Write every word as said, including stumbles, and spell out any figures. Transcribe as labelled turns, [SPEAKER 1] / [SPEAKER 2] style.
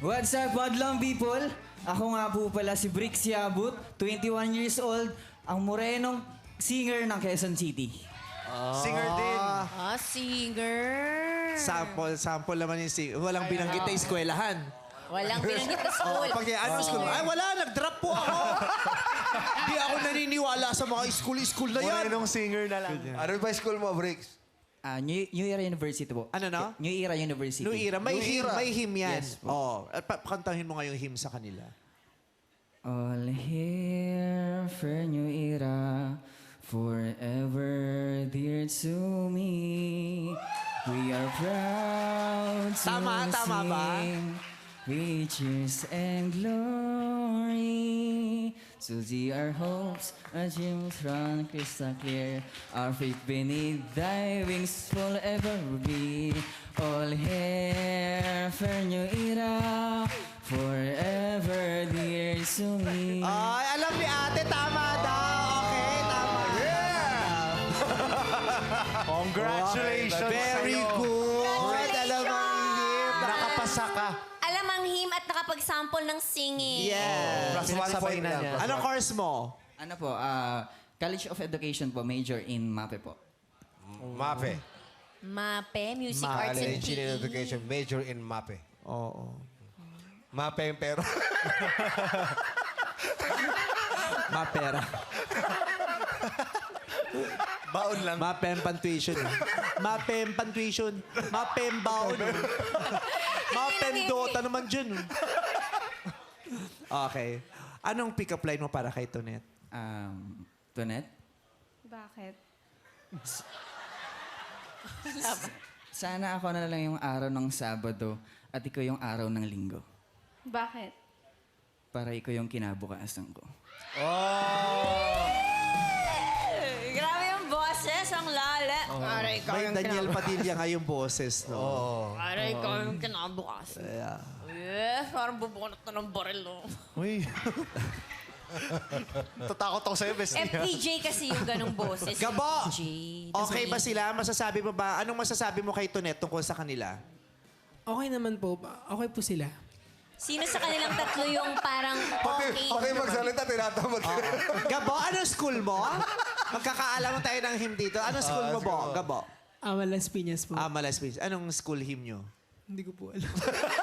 [SPEAKER 1] What's up, Wadlang people? Ako nga po pala si Brix Yabut, twenty-one years old, ang morenong singer ng Quezon City.
[SPEAKER 2] Singer din.
[SPEAKER 3] Ah, singer.
[SPEAKER 2] Sample, sample naman yung singer. Walang binanggit na eskwelahan.
[SPEAKER 3] Walang binanggit na school.
[SPEAKER 2] Pag ano school? Ay, wala. Nag-drop po ako. Di ako naniniwala sa mga school-school na yan.
[SPEAKER 4] Morenong singer na lang.
[SPEAKER 5] Ano ba school mo, Bricks?
[SPEAKER 1] Ah, New, New Era University po.
[SPEAKER 2] Ano na?
[SPEAKER 1] New Era University.
[SPEAKER 2] New era. May
[SPEAKER 5] New
[SPEAKER 2] him,
[SPEAKER 5] era.
[SPEAKER 2] may him yan.
[SPEAKER 1] Yes po.
[SPEAKER 2] Oh, at pa- kantahin mo nga yung him sa kanila.
[SPEAKER 1] All here for New Era, forever dear to me. We are proud to
[SPEAKER 2] Tama, tama ba?
[SPEAKER 1] sing riches and glory. To see our hopes, our dreams run crystal clear. Our faith beneath thy wings forever be. All here for New Era, forever dear to me.
[SPEAKER 2] Ay, alam ni ate, tama daw. Okay, tama.
[SPEAKER 4] Congratulations
[SPEAKER 2] Very
[SPEAKER 4] sa'yo.
[SPEAKER 2] good. Alam mo yung him.
[SPEAKER 4] Nakapasa ka.
[SPEAKER 3] Alam ang him at nakapag-sample ng singing.
[SPEAKER 2] Yeah.
[SPEAKER 4] Plus one
[SPEAKER 5] Pinasabay
[SPEAKER 4] point
[SPEAKER 5] na
[SPEAKER 4] na niya.
[SPEAKER 2] Anong course mo?
[SPEAKER 1] Ano po, ah, College of Education po, major in MAPE po.
[SPEAKER 5] MAPE.
[SPEAKER 3] MAPE, Music Arts and P
[SPEAKER 5] Engineering
[SPEAKER 3] E.
[SPEAKER 5] Education, major in MAPE.
[SPEAKER 2] Oo.
[SPEAKER 5] MAPE yung pero.
[SPEAKER 2] Mapera.
[SPEAKER 4] Baon lang.
[SPEAKER 2] Mapempan tuition. eh. Mapempan tuition. Mapembaon. Mapendota naman dyan. eh. Okay. Anong pick-up line mo para kay Tonet?
[SPEAKER 1] Um, Tonet?
[SPEAKER 6] Bakit?
[SPEAKER 1] Sana ako na lang yung araw ng Sabado at ikaw yung araw ng Linggo.
[SPEAKER 6] Bakit?
[SPEAKER 1] Para ikaw yung kinabukasan ko.
[SPEAKER 3] Grabe yung boses, ang lala. Aray ko
[SPEAKER 2] May
[SPEAKER 3] yung
[SPEAKER 2] Daniel Padilla nga yung boses, no?
[SPEAKER 3] Aray ko yung kinabukasan.
[SPEAKER 2] Yeah.
[SPEAKER 3] Eh, parang bubunot na ng baril, no?
[SPEAKER 4] Uy. Tatakot ako sa'yo, bestie.
[SPEAKER 3] F P J kasi yung ganong boses.
[SPEAKER 2] Gabo!
[SPEAKER 3] F P J.
[SPEAKER 2] Okay ba sila? Masasabi mo ba? Anong masasabi mo kay Tonet tungkol sa kanila?
[SPEAKER 7] Okay naman po. Okay po sila.
[SPEAKER 3] Sino sa kanilang tatlo yung parang okay?
[SPEAKER 5] Okay magsalita, tinatamad ka.
[SPEAKER 2] Gabo, anong school mo? Magkakaalaman tayo ng him dito. Anong school mo, Bo? Gabo?
[SPEAKER 7] Ama Las Piñas po.
[SPEAKER 2] Ah, Malas Piñas. Anong school him nyo?
[SPEAKER 7] Hindi ko po alam.